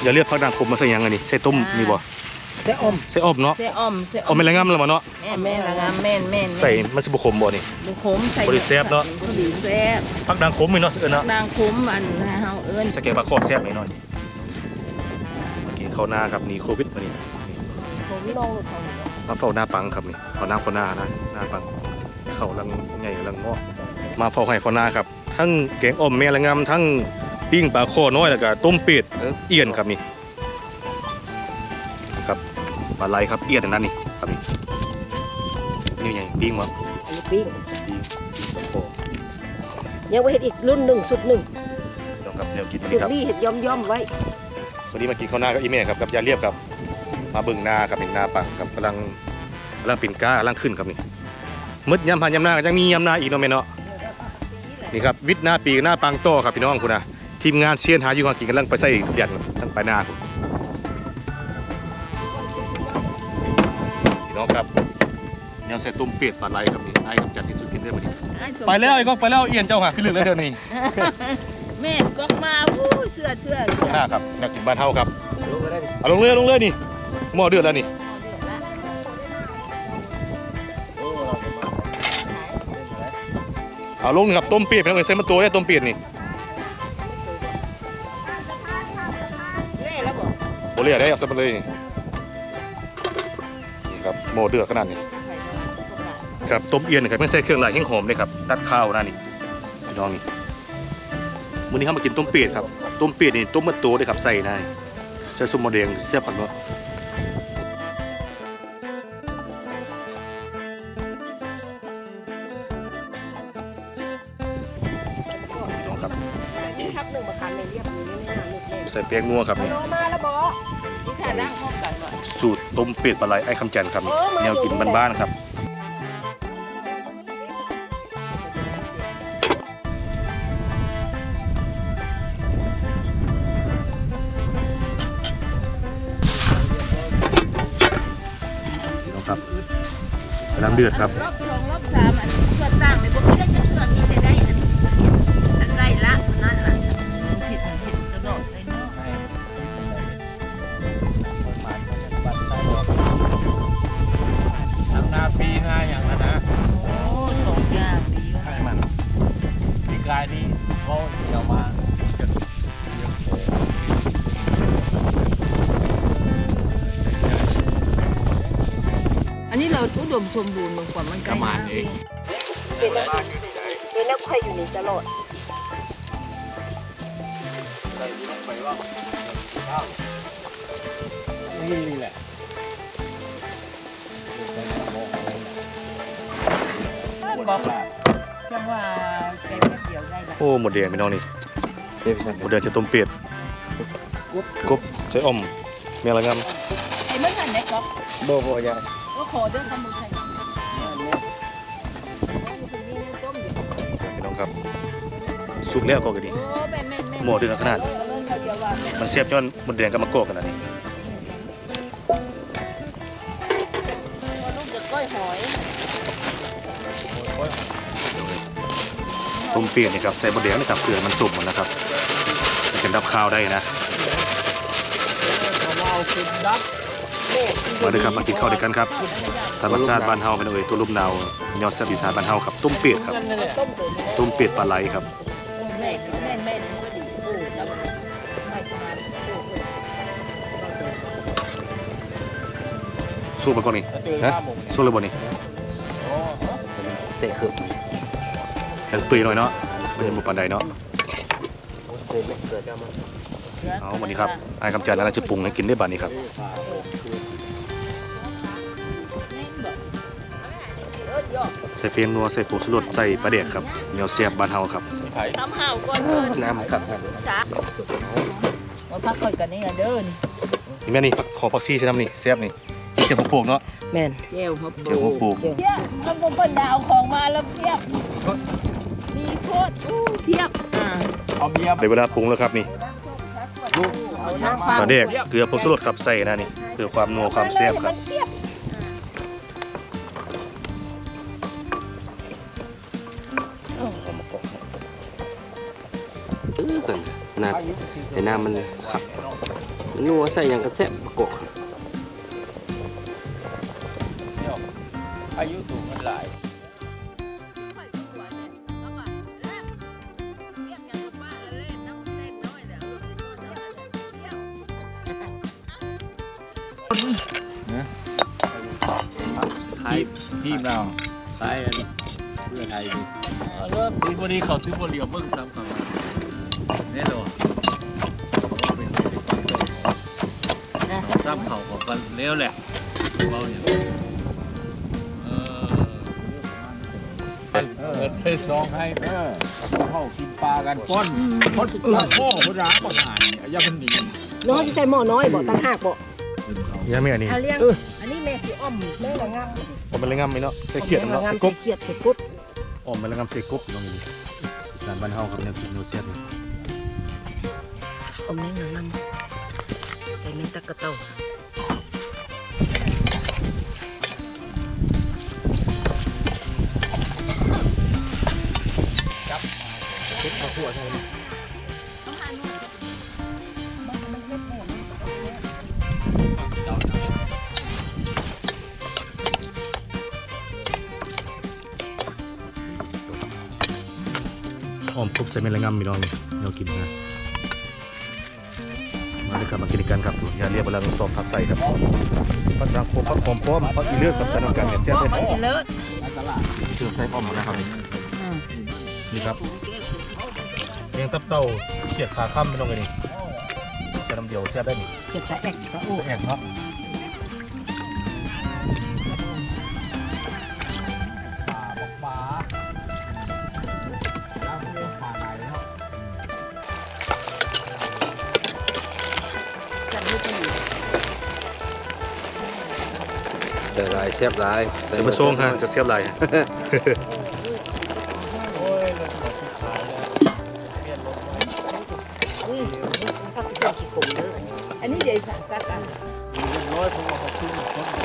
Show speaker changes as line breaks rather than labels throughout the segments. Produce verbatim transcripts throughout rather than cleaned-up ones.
อย่าเรียกผักด่างขมมาใส่ยังไงนี่ใส่ต้มมีบ่
ใส่อม
ใส่อมเนาะ
ใส่อมใส่
อมเป็นไรงามแล้วบ่เนาะ
แม่แม่ละงามแม่นแม่น
ใส่มันสิบ่ขมบ่นี่
บ่ขมใส่
บ่ได้แซ่บเนาะ
บ่ได้แซ่บ
ผักด่างขมมีเนาะเอิ้นเนาะ
ด่างขมอันเฮาเอิ้น
สแกงปลาคอแซ่บหน่อยกินข้าวหน้าครับนี่โควิดมานี่
ผมลองเขา
มาเฝ้าหน้าปังครับนี่เอาน้ำข้าวหน้านะหน้าปังเข้าลังใหญ่ลังงอกมาเฝ้าให้ข้าวหน้าครับทั้งแกงอ่อมแม่ละงามทั้งปิ้งปลาคอน้อยแล้วก็ต้มเป็ดเอี้ยนครับนี่ครับปลาไหลครับเอี้ยนนั่นนี่ครับนี่นี่ไงปิ้งวะ
อันนี้ปิ้ง
ปิ้งปลาคอ
ยังไว้เฮ็ดอีกรุ่นหนึ่งสุดหนึ่ง
ต้องครับเดี๋ยวกิน
สุด
ครับ
นี่เฮ็ดย่อมย่อมไว้
วันนี้มากินข้าวหน้ากับอีเม่ครับกับยาเรียบครับมาเบิ่งนาครับเป็นนาปังครับกำลังกำลังปิ่นก้ากำลังขึ้นครับนี่มืดยำผ่านยำนายังมียำนาอีกเนาะแม่เนาะนี่ครับวิทย์หน้าปีหน้าปังโตครับพี่น้องคุณนะทีมงานเซียนหาอยู่หากินกำลังไปใส่ทุกอย่างทั้งไปนาคุณพี่น้องครับยังใส่ต้มเป็ดปลาไหลครับนี่ไอ้กับจัดที่สุดกินได้พอดีไปแล้วไอ้ก็ไปแล้วเอียนเจ้าหาขึ้นเรื่องแล้วเดี๋ยวนี้
แม่ก็มาอู้เสื้อเสื้อ
ข้างหน้าครับอยากกินบ้านเฮาครับเอาลงเรือลงเรือนี่หม้อเดือดแล้วนี่เอาลงครับต้มเปี๊ยกเป็นไงใส่มาตัวได้ต้มเปี๊ยกนี่โบเล่ได้เอาใส่มาเลยนี่ครับหม้อเดือดขนาดนี้ครับต้มเอียนครับไม่ใส่เครื่องหลายแห้งหอมเลยครับตัดข้าวนะนี่พี่น้องนี่วันนี้เขามากินต้มเปี๊ยกครับต้มเปี๊ยกนี่ต้มมาตัวเลยครับใส่ได้ใส่ซุปมะเร็งเสียบผักเนาะใส่เปียกงัวครับนี่สูตรต้มเป็ดปลาไหลไอ้คำจันครับแนวกินบ้านๆครับครับน้ำเดือดครับ
รอบสองรอบสามอันนี้เชือกต่างเลยพวกนี้เราจะเชือกนี้ได้ได้อันไรละนั่นแหละผิดผิดกระโดดเลยเนาะ
ทำนาปีงานอย่างนั้นนะ
โอ้สองอย่างดีให้
มันปีกายนี้เขาเดี๋ยวมา
อันนี้เราอุดมสมบูรณ์เหมือนกว่ามัน
ประมาณเอง
เป็นนักเป็นนักใครอยู่นี่ตลอด
นี่แหละ
ก็จังว่าแกงแค่เดียวได้ละ
โอ้หมดแดงพี่น้องนี่หมดแดงจะต้มเป็ดกบใส่อ่อมแม่ละงาม
ไอ้เมื่อไหร่ไหนก๊อฟ
โบโบยาย
ก็ขอเดินทำมือไทย
พี่น้องครับสุกแล้วก็กระดิ่งหมดเดือดขนาดมันเสียบจนหมดแดงกับมะกอกขนาดนี้ต้มเปียกนี่ครับใส่หมดแดงนี่ครับเกลือมันสุกหมดนะครับจะเป็นดับข้าวได้นะมาด้วยครับมากินข้าวด้วยกันครับธรรมชาติบ้านเฮาเป็นเอ่ยตัวลุ่มนาวยอดแซ่บอีสานบ้านเฮาครับต้มเป็ดครับต้มเป็ดปลาไหลครับสู้มาก่อนนี่ฮะสู้เลยบ่นี่
เตะขึ้น
ยังตุยหน่อยเนาะไม่ใช่หมูปลาใดเนาะเอาวันนี้ครับไอ้คำจันทร์อะไรจะปรุงให้กินได้บ้านนี้ครับใส่เพียงนัวใส่ปูสลดใส่ปลาเด็กครับเหนียวเสียบบ้านเฮาครับ
ทำห่าวก่อน
น้ำครับ
มาพักคอยกันนี่เดิน
นี่แม่นี่ขอผักชีใช่ไหมนี่เสียบนี่เจียวหัวโป่งเนาะ
แม่นเจียวหัวโป่ง
เจียวหัวโป่ง
เพียบทำบุญเปิดดาวของมาแล้วเพียบมีโคตรเพียบอ่า
เอาเบียร์
ในเวลาปรุงแล้วครับนี่ปลาเด็กเกลือผงชูรสครับใส่นะนี่เพื่อความนัวความแซ่บครับ
น้ำแต่น้ำมันขับ
นัวใส่อย่างกระแซบประกอบ
เดี๋ยวอายุสูงมันหลาย
ไทยทีมเราไทยเพื่อไทยดิ
เริ่มตีบดีเขาซื้อบริเวณเบิ้งซ้ำกันแน่นอนซ้ำเขาของกันเลี้ยวแหละเบาอย่างเออเออใช้ซองให้เออเข้ากินปลากันก้อนก้อนปลาโค้งร้างบางงานเนี่ยยาพันดี
น้อยที่ใส่หม้อน้อยบ่ตั้งห้าบ่
ยังไม่อันนี้
เอาเลี้ยงอันนี้แม่สิอ้อมแม่ละงาม
ผมเป็นเรื่องงามไหมเนาะใส่เขียดเนาะใส่กบ
เขียดใส่กุ๊ด
อมเป็นเรื่องงามใส่กบลองดูอีสานบ้านเฮาครับแนวกินโนเซียน
อมแม่ละงามใส่แม่ตะกะเต้า
คิดข้าวคั่วใช่ไหมออมกบใส่เมล็ดงามพี่น้องเรากินนะมาเลยครับมากินกันครับอย่าเรียกเวลาเราสอบผักใส่ครับผักรังโคผักหอมป้อมผักอีเลือดกับใส่น้ำกันเนี่ยเสียบเลย
เลิศ
เจอใส่ป้อมหมดนะครับนี่นี่ครับเลี้ยงตับเต่าเขียดขาค่ำพี่น้องเลยนี่จะน้ำเดียวเสียบได้นี่
เขียดตะแอกตะโอ้
แห้งเนาะ
ปลาปลาแล้วเรียกปลาไหนเนาะ
จับมือกันอยู่
แต่ลายแซ่บลาย
เดี๋ยวมาส่งฮะจะเสียบไร
โอ้ยเราจะสุดท้ายแล้วเปลี่ยนลงมา
อุ้ยมันพักเส้นขี้ขมเด้ออันนี้ใหญ่สักตักอัน
เรียบร้อยเพราะว่าเขาขึ้นต้น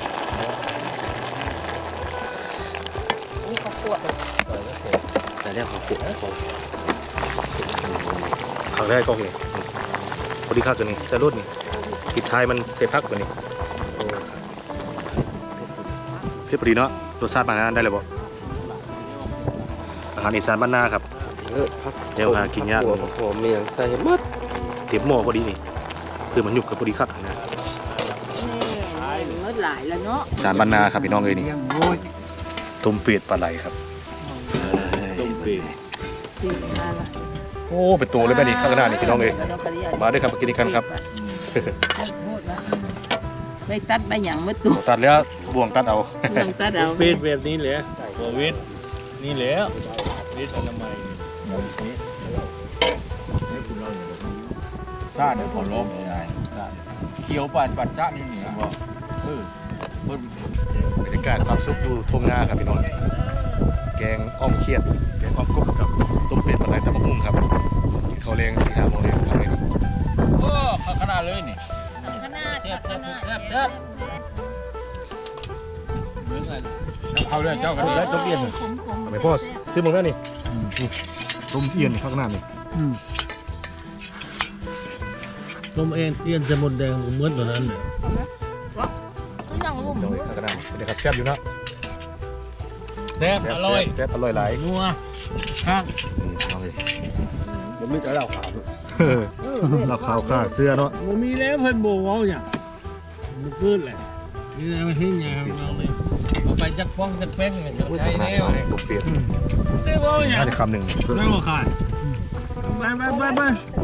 นี่ข้าวคั่ว
แต่แล้วเขาขุด
ครั้งแรกก็นี่พอดีข้าวตัวนี้ใส่รสนี่ปิดท้ายมันใส่พักตัวนี้เพื่อพอดีเนาะรสชาติอาหารได้เลยบ่อาหารอีสานบ้านนาครับ
เออพัก
เดี๋ยวหากินยาก
หัวหอมเมียงใส่หมด
เต็มหม้อพอดีนี่คือมันหยุบกับพอดีคักนะ
เมื่อหลายแล้วเนาะ
อีสานบ้านนาครับพี่น้องเอ้ยนี่
ยังโง่ย
ต้มเป็ดปลาไหลครับ
ต้มเป็ด
สี่ห้าละ
โอ้เป็นตัวเลยแม่นี่ข้างหน้านี่พี่น้องเอ้ยมาด้วยครับมากินกันครับ
ไปตัดไปหยังมืดตัว
ตัดแล้วบ่วงตัดเอา
ลองตัดเอา
เป็ดแบบนี้แหละโควิดนี่แหละวิทย์อนามัยนี่ให้คุณเราอยู่ชาติขอร้องยังไงเขียวปัดปัดชาตินี่เหนียวบ่เออเพิ่น
บรรยากาศความสุขอยู่ทุ่งนาครับพี่น้องแกงอ้อมเขียดแกงอ้อมกบกับต้มเป็ดปลาไหลตำบักหุ่งครับกินข้าวแรงที่ห้าโมงแรงครับนี่
โอ้ขนาดเลยนี่
ขนาด
แซ่บแซ่บแซ่บแซ่บเหมือนกันเอาเลยเจ้ากันเลยต้มเอี้ยน
ขมขม
ทำไมพ่อซื้อมึงแล้วนี่นี่ต้มเอี้ยนข้างหน้านี่
ต้มเอี้ยนเอี้ยนจะหมดแดงเหมือนตัวนั้นเลย
ก็ยังรุ่ม
เดี๋ยวข้างหน้าเดี๋ยวครับแซ่บอยู่นะ
แซ่บอร่อย
แซ่บอร่อยหลาย
นัวข้าง
เอาเลย
ผมไม่จะเล่าข่าว
เราขาวข้าเสื้อเนาะ
มันมีแล้วเพิ่นโบว่าอย่างมันเกินแหละนี่นะไม่เห็นอย่างเราเลยเอาไปจักป้องจักแป้งกันจะใช้แน่เลย
ต้มเป็ด
ได้บ่อย่าง
น่าจะคำหนึ่ง
ไม่ว่าขาดไปไปไปไป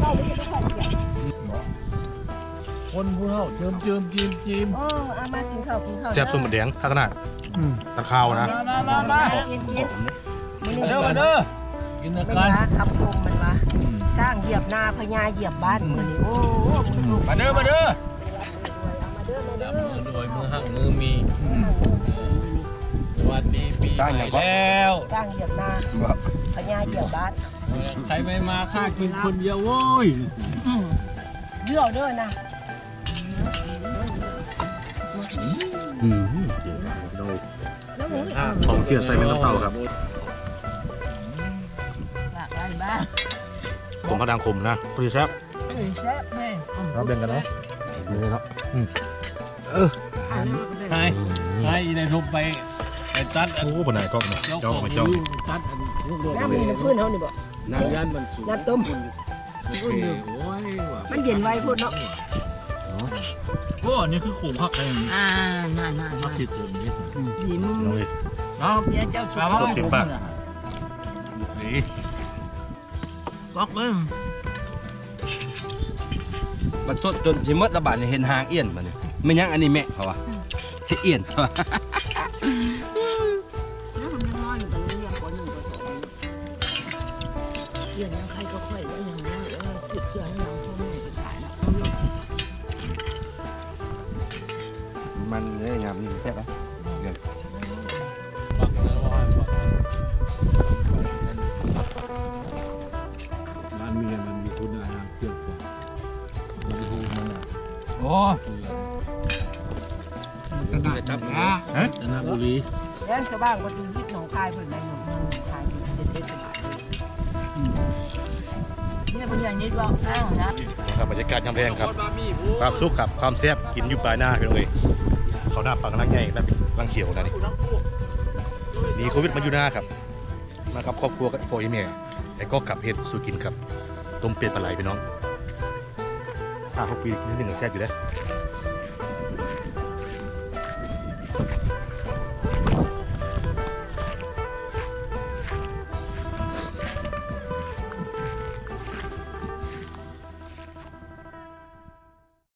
คนผู้เฒ่าเจิมเจิมจิมจิม
โอ้เอามากินข้าวกินข้าว
แซ่บส้มแดงข้างหน้าตะขาวนะ
มามามา
เย็นเย็น
มาเด้อมาเด้อกินนะ
มัน
กัน
ว่าคำคมมันว่าสร้างเหยียบนาพญาเหยียบบ้านมือนี่โอ้โหมือลูก
มาเด้อมาเด้อ
มาเด้อมา
จั
เด้
บ
อ
มือด้วยมือหักมือมีสวัสดีปีใหม่แล้ว
สร้างเหยียบนาพญาเหยียบบ้าน
ใครไม่มาข้ากินคนเดียวโว้ย
เลือกเด้อนะ
อืม
แล้วหมูอีก
ของเกียร์ใส่เป็นน้ำเต้าครับ
หลากหลายบ้าน
ผมพระดังคมนะพอดีแซ่บ
แซ่บแม่
เราเบ่งกันเนาะนี่เนาะอืมเออ
ใช่ใช่ในทุบไปไปตัด
โอ้บนไหนกล้องเนี่ย
เจ้า
จ้อง
ของ
มา
อ
จ้อง
ยู่ตัดอันลูกโดด
น้ำมีน้ำพื้นเขานี่บ่
น้ำยันมันสูง
น้ำต้ม
โอ้ยโอ้ยว่ะ
มันเย็นไว้พูดเนาะ
โอ้นี่คือขมพักเอง
อ่าน่าน่า
พั
น่าก
ที่ขมนี่
ดีมึง
เอาเลย
ครับ
เนี่ยเจ้าชุบ
สดจริงป่ะ
นี่บอกเลย
มันสดจนชิมดระบาดเนี่ยเห็นหางเอี้ยนมันนี่ไม่ยังอันนี้แม่เขาวะเฮ็ดเอี้ยนเขาวะ
น้ำมันน้อยมันก็เรียกคนหนึ่งก็สองเรียนยังใครก็ค่อยแล้วอย่างนี้เออจุดเชื่อให้น้องพ่อแม่ไปขายนะ
มันเนี่ยยำนี่แซ่บปะ
ปักแล้วว่าปักร้านเมียมันมีคุณอาหารเกี่ยวกับมันพูดมันอ่ะ
โอ้
กระดาษจับนะฮะจันทบุรี
แล้วชาวบ้านก็ดูยิบหนองคายเปิดในหนองหนองคายเป็นเด็กสบายเนี่ยคนอย่างนี้บอกอ้าวนะ
นะครับบรรยากาศยามแรงครับความสุขครับความแซ่บกินอยู่ปลายหน้าพี่น้องเอ้ยเขาหน้าปังกำลังใหญ่แล้วลังเขียวนะนี่มีโควิดมาอยู่หน้าครับมากับครอบครัวกับพ่อแม่แต่ก็กลับเฮ็ดสู่กินครับต้มเป็ดปลาไหลพี่น้องห้าหกปีนิดนึงก็แซ่บอยู่แล้ว